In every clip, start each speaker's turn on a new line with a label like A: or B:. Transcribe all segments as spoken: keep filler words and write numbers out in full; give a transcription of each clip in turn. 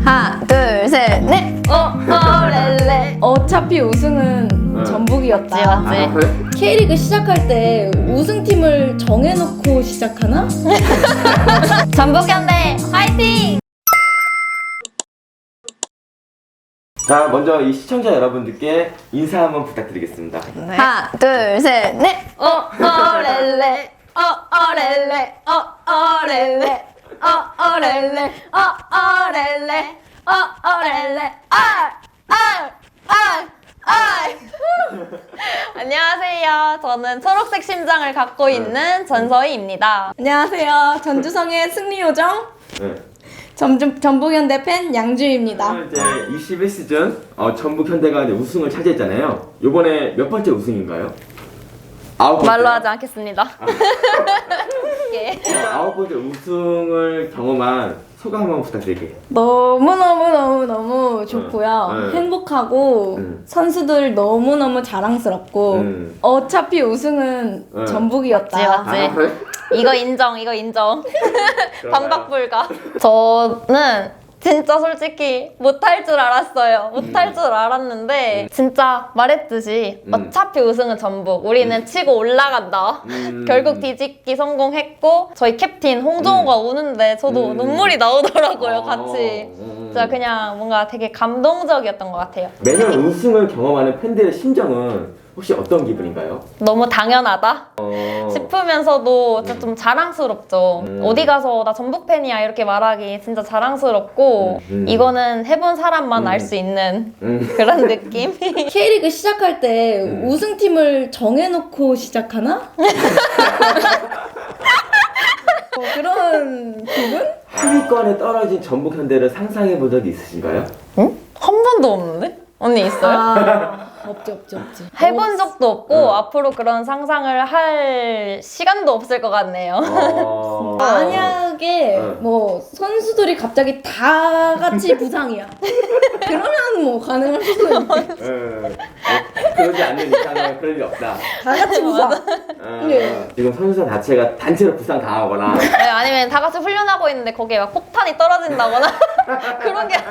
A: 하나, 둘, 셋, 넷! 어, 어렐레. 어차피 우승은
B: 응.
A: 전북이었다.
C: 맞지, 맞지.
B: 아, 그래?
A: K리그 시작할 때 우승팀을 정해놓고 시작하나?
C: 전북현대 화이팅!
B: 자, 먼저 이 시청자 여러분들께 인사 한번 부탁드리겠습니다.
C: 네.
A: 하나, 둘, 셋, 넷! 어, 어렐레. 어, 어렐레. 어, 어렐레. 어, 어렐레. 어, 어렐레. 어, 어렐레. 아! 아! 아! 아!
C: 안녕하세요. 저는 초록색 심장을 갖고 있는 전서희입니다.
A: 안녕하세요. 전주성의 승리요정
B: 네.
A: 전북, 전북현대 팬 양주입니다.
B: 오늘 이제 이십일 시즌 어, 전북 현대가 이제 우승을 차지했잖아요. 이번에 몇 번째 우승인가요? 아홉 번째.
C: 말로 하지 않겠습니다. 예.
B: 아홉 번째 우승을 경험한 소감 한번 부탁드릴게요.
A: 너무너무너무너무 좋고요.
B: 응, 응.
A: 행복하고
B: 응.
A: 선수들 너무너무 자랑스럽고
B: 응.
A: 어차피 우승은
B: 응.
A: 전북이었다.
C: 맞지, 맞지.
B: 아, 그래?
C: 이거 인정, 이거 인정.
B: 그런가요?
C: 반박 불가. 저는 진짜 솔직히 못할 줄 알았어요. 못할
B: 음.
C: 줄 알았는데 진짜 말했듯이
B: 음.
C: 어차피 우승은 전북. 우리는 치고 올라간다.
B: 음.
C: 결국 뒤집기 성공했고 저희 캡틴 홍정호가 우는데 저도
B: 음.
C: 눈물이 나오더라고요.
B: 어.
C: 같이.
B: 음.
C: 진짜 그냥 뭔가 되게 감동적이었던 것 같아요.
B: 매년 우승을 경험하는 팬들의 심정은 혹시 어떤 기분인가요?
C: 너무 당연하다
B: 어...
C: 싶으면서도 진짜 좀 자랑스럽죠.
B: 음.
C: 어디 가서 나 전북 팬이야 이렇게 말하기 진짜 자랑스럽고
B: 음, 음.
C: 이거는 해본 사람만
B: 음.
C: 알 수 있는
B: 음.
C: 그런 느낌?
A: K리그 시작할 때
B: 음.
A: 우승팀을 정해놓고 시작하나? 뭐 그런 기분?
B: 하위권에 떨어진 전북 현대를 상상해 본 적이 있으신가요?
C: 응? 한 번도 없는데? 언니 있어요?
A: 아, 없지 없지 없지.
C: 해본 적도 없고
B: 응.
C: 앞으로 그런 상상을 할 시간도 없을 것 같네요.
B: 어...
A: 만약에
B: 응.
A: 뭐 선수들이 갑자기 다 같이 부상이야. 그러면 뭐 가능할 수도 있는데
B: 응. 어, 그러지 않는 이상은 그럴 일 없다.
A: 다 같이 부상.
B: 어,
A: 네.
B: 지금 선수 자체가 단체로 부상 당하거나
C: 네, 아니면 다 같이 훈련하고 있는데 거기에 막 폭탄이 떨어진다거나 그런 게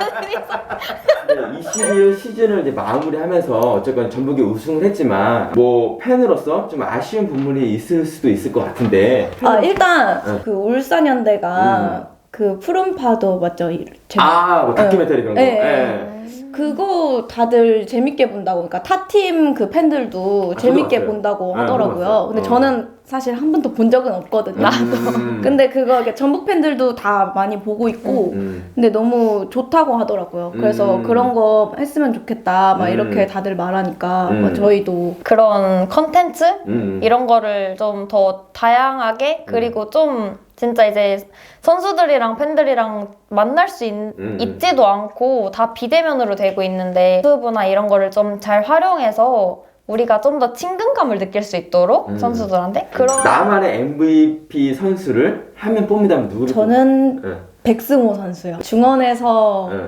C: 아니라
B: 이십일 시즌을 이제 마무리하면서 어쨌건 전북이 우승을 했지만 뭐 팬으로서 좀 아쉬운 부분이 있을 수도 있을 것 같은데.
A: 아 일단
B: 응.
A: 그 울산현대가
B: 음.
A: 그 푸른 파도 맞죠? 이- 제-
B: 아, 뭐 다큐멘터리 그런 거.
A: 네.
B: 예.
A: 그거 다들 재밌게 본다고. 그러니까 타 팀 그 팬들도
B: 아,
A: 재밌게
B: 저도 봤어요.
A: 본다고
B: 네,
A: 하더라고요.
B: 저도 봤어요.
A: 근데
B: 어.
A: 저는 사실 한 번도 본 적은 없거든요.
B: 음.
A: 근데 그거 이렇게 전북 팬들도 다 많이 보고 있고
B: 음.
A: 근데 너무 좋다고 하더라고요. 그래서
B: 음.
A: 그런 거 했으면 좋겠다 막
B: 음.
A: 이렇게 다들 말하니까
B: 음.
A: 뭐 저희도
C: 그런 컨텐츠?
B: 음.
C: 이런 거를 좀 더 다양하게 그리고 좀 진짜 이제 선수들이랑 팬들이랑 만날 수 있,
B: 음.
C: 있지도 않고 다 비대면으로 되고 있는데 유튜브나 이런 거를 좀 잘 활용해서 우리가 좀 더 친근감을 느낄 수 있도록
B: 음.
C: 선수들한테 그런
B: 나만의 엠브이피 선수를 한 명 뽑는다면 누구를
A: 저는
B: 뽑...
A: 백승호 선수요. 중원에서
B: 예. 예.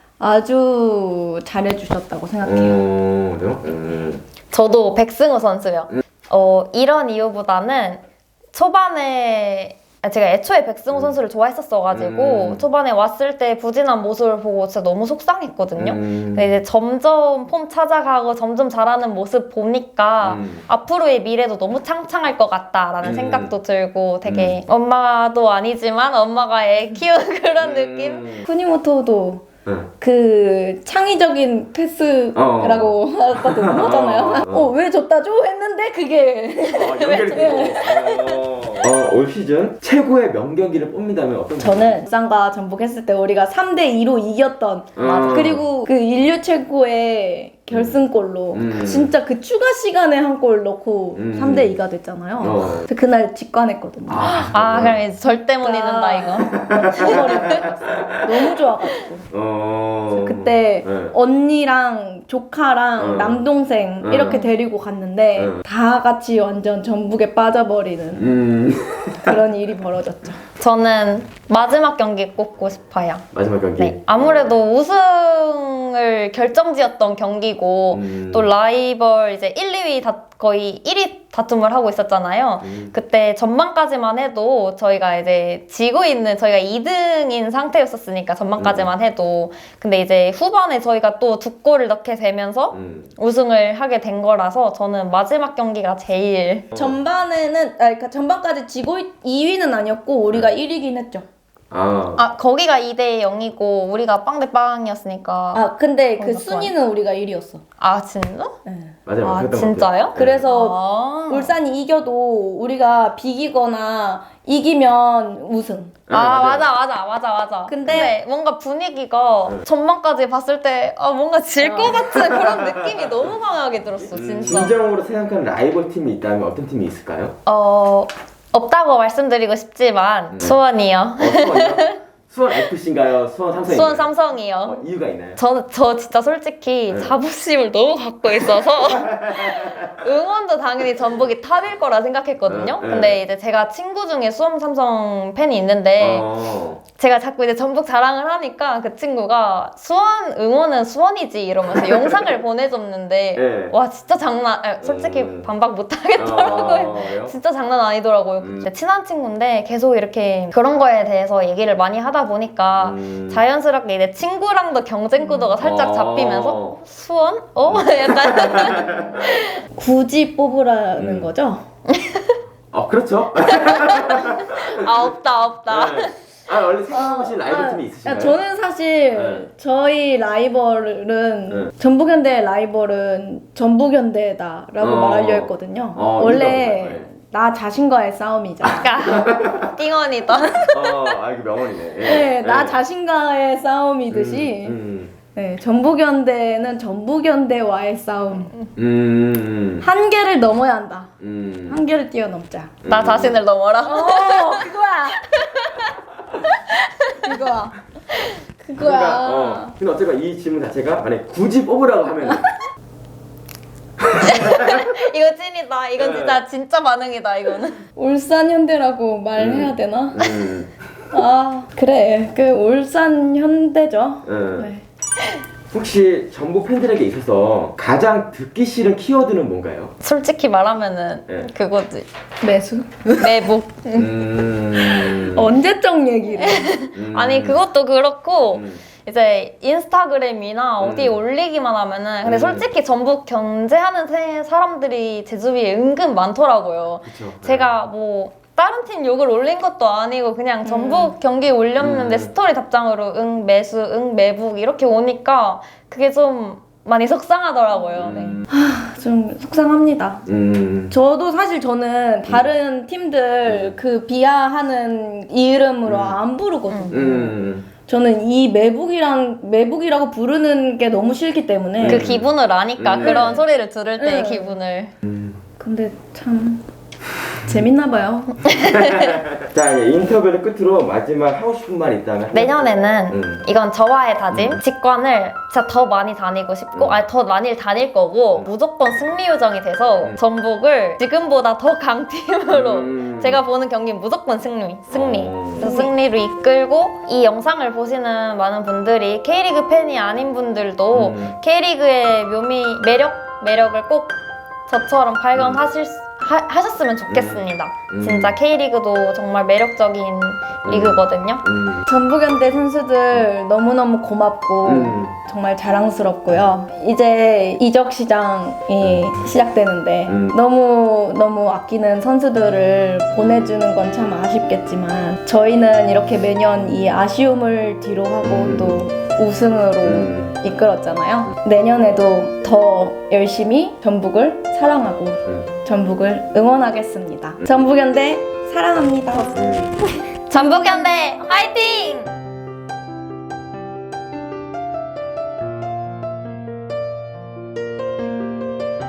A: 아주 잘해주셨다고 생각해요.
B: 음, 그래요? 음.
C: 저도 백승우 선수요. 어, 이런 이유보다는 초반에 아, 제가 애초에 백승우
B: 음.
C: 선수를 좋아했었어가지고
B: 음.
C: 초반에 왔을 때 부진한 모습을 보고 진짜 너무 속상했거든요.
B: 음.
C: 근데 이제 점점 폼 찾아가고 점점 잘하는 모습 보니까
B: 음.
C: 앞으로의 미래도 너무 창창할 것 같다라는
B: 음.
C: 생각도 들고 되게 엄마도 아니지만 엄마가 애 키우는 그런 느낌?
B: 음.
A: 쿠니모토도
B: 예.
A: 그 창의적인 패스라고 하거든요. 하잖아요.
B: 어, 어.
A: 어, 왜 줬다 줘? 했는데 그게
B: 아, 연결이 되고. 어, 올 시즌 최고의 명경기를 뽑는다면 어떤
A: 저는 부산과 전북 했을 때 우리가 삼 대 이로 이겼던
B: 맞아.
A: 그리고 그 인류 최고의 결승골로
B: 음.
A: 진짜 그 추가 시간에 한 골 넣고
B: 음.
A: 삼 대 이가 됐잖아요.
B: 어.
A: 근데 그날 직관했거든요.
B: 아,
C: 아 그럼 이제 절대 못
A: 아.
C: 잊는다 이거.
A: 너무 좋아가지고
B: 어.
A: 그때
B: 네.
A: 언니랑 조카랑
B: 어.
A: 남동생
B: 어.
A: 이렇게 데리고 갔는데
B: 어.
A: 다 같이 완전 전북에 빠져버리는
B: 음.
A: 그런 일이 벌어졌죠.
C: 저는 마지막 경기 꼽고 싶어요.
B: 마지막 경기.
C: 네, 아무래도 우승을 결정지었던 경기고
B: 음.
C: 또 라이벌 이제 일, 이 위 다 거의 일 위 다툼을 하고 있었잖아요.
B: 음.
C: 그때 전반까지만 해도 저희가 이제 지고 있는 저희가 이 등인 상태였었으니까 전반까지만 해도 근데 이제 후반에 저희가 또 두 골을 넣게 되면서
B: 음.
C: 우승을 하게 된 거라서 저는 마지막 경기가 제일
A: 전반에는 아 그러니까 전반까지 지고 이 위는 아니었고 우리가 일 위긴 했죠.
B: 아.
C: 아 거기가 이 대 영이고 우리가 빵 대 빵이었으니까
A: 아 근데 그
C: 맞아,
A: 순위는 우리가 일 위였어.
C: 아 진짜?
A: 네.
B: 맞아요.
C: 아
B: 그랬던 것
C: 진짜요?
B: 같아요.
A: 그래서
C: 아,
A: 울산이 이겨도 우리가 비기거나 이기면 우승.
B: 네,
C: 아
B: 맞아요.
C: 맞아 맞아 맞아 맞아
A: 근데-
C: 근데 뭔가 분위기가
B: 네.
C: 전반까지 봤을 때 아, 뭔가 질 것
A: 어.
C: 같은 그런 느낌이 너무 강하게 들었어
B: 음,
C: 진짜
B: 진정으로 생각하는 라이벌 팀이 있다면 어떤 팀이 있을까요?
C: 어 없다고 말씀드리고 싶지만
B: 네.
C: 수원이요
B: 어, 수원이요? 수원 에프씨인가요? 수원 삼성인가요?
C: 수원 삼성이요
B: 어, 이유가 있나요?
C: 저, 저 진짜 솔직히
B: 네.
C: 자부심을 너무 갖고 있어서 응원도 당연히 전북이 탑일 거라 생각했거든요.
B: 네, 네.
C: 근데 이제 제가 친구 중에 수원 삼성 팬이 있는데
B: 어.
C: 제가 자꾸 이제 전북 자랑을 하니까 그 친구가 수원 응원은 수원이지 이러면서 영상을 보내줬는데
B: 네.
C: 와 진짜 장난 아, 솔직히
B: 음.
C: 반박 못 하겠더라고요.
B: 어, 그래요?
C: 진짜 장난 아니더라고요.
B: 음.
C: 근데 친한 친구인데 계속 이렇게 그런 거에 대해서 얘기를 많이 하다 보니까
B: 음.
C: 자연스럽게 내 친구랑도 경쟁 구도가 살짝
B: 어.
C: 잡히면서 수원? 어? 약간
A: 굳이 뽑으라는
B: 음.
A: 거죠?
B: 어, 그렇죠.
C: 아 없다 없다.
B: 네. 아, 원래 생각해보신 라이벌 팀이 있으신가요?
A: 아, 저는 사실
B: 네.
A: 저희 라이벌은
B: 네.
A: 전북현대의 라이벌은 전북현대다라고
B: 어.
A: 말하려 했거든요.
B: 어,
A: 원래
B: 이유가 뭔가요?
A: 나 자신과의 싸움이잖아.
C: 그러니까 띵언이다.
B: 어, 아, 이거 명언이네. 예.
A: 네, 나
B: 예.
A: 자신과의 싸움이듯이
B: 음, 음,
A: 네, 전북현대는 전북현대와의 싸움.
B: 음, 음,
A: 한계를 넘어야 한다.
B: 음.
A: 한계를 뛰어넘자.
C: 나 자신을 넘어라.
A: 어, 그거야. 그거야. 그거야.
B: 그러니까, 어, 근데 어쨌건 이 질문 자체가 만약 굳이 뽑으라고 하면
C: 이거 찐이다. 이건
B: 네.
C: 진짜 진짜 반응이다. 이거는.
A: 울산현대라고 말해야 되나?
B: 음,
A: 아 그래 그 울산현대죠.
B: 음.
A: 네.
B: 혹시 전북 팬들에게 있어서 가장 듣기 싫은 키워드는 뭔가요?
C: 솔직히 말하면은
B: 네.
C: 그거지.
A: 매수?
C: 매복.
B: 음,
A: 언제적 얘기를?
B: 음,
C: 아니 그것도 그렇고
B: 음,
C: 이제 인스타그램이나
B: 음.
C: 어디에 올리기만 하면은 근데
B: 음.
C: 솔직히 전북 견제하는 세- 사람들이 제 주위에 은근 많더라고요.
B: 그쵸.
C: 제가 뭐 다른 팀 욕을 올린 것도 아니고 그냥 전북 경기 올렸는데
B: 음.
C: 스토리 답장으로 응 매수 응 매북 이렇게 오니까 그게 좀 많이 속상하더라고요. 네.
B: 음,
A: 좀 속상합니다.
B: 음,
A: 저도 사실 저는 다른 팀들 그 비하하는 이름으로
B: 음.
A: 안 부르거든요.
B: 음,
A: 저는 이 매북이랑 매북이라고 부르는 게 너무 싫기 때문에.
C: 그 기분을 아니까
B: 음.
C: 그런 소리를 들을 때의
A: 네.
C: 기분을
B: 음.
A: 근데 참 재밌나 봐요.
B: 자, 이제 인터뷰를 끝으로 마지막 하고 싶은 말 있다면
C: 내년에는
B: 음.
C: 이건 저와의 다짐
B: 음.
C: 직관을 진짜 더 많이 다니고 싶고
B: 음.
C: 아니 더 많이 다닐 거고
B: 음.
C: 무조건 승리 요정이 돼서
B: 음.
C: 전북을 지금보다 더 강팀으로
B: 음.
C: 제가 보는 경기는 무조건 승리 승리
B: 어.
C: 그래서 승리로 이끌고 이 영상을 보시는 많은 분들이 K리그 팬이 아닌 분들도
B: 음.
C: K리그의 묘미 매력 매력을 꼭 저처럼 발견하실 수 하, 하셨으면 좋겠습니다.
B: 음.
C: 진짜 K리그도 정말 매력적인 리그거든요.
B: 음,
A: 전북현대 선수들 너무너무 고맙고
B: 음.
A: 정말 자랑스럽고요. 이제 이적 시장이 시작되는데
B: 음.
A: 너무 너무 아끼는 선수들을 보내주는 건 참 아쉽겠지만 저희는 이렇게 매년 이 아쉬움을 뒤로 하고
B: 음.
A: 또 우승으로
B: 음.
A: 이끌었잖아요. 내년에도 더 열심히 전북을 사랑하고
B: 음.
A: 전북을 응원하겠습니다. 전북현대 사랑합니다.
B: 음.
C: 전북현대 화이팅!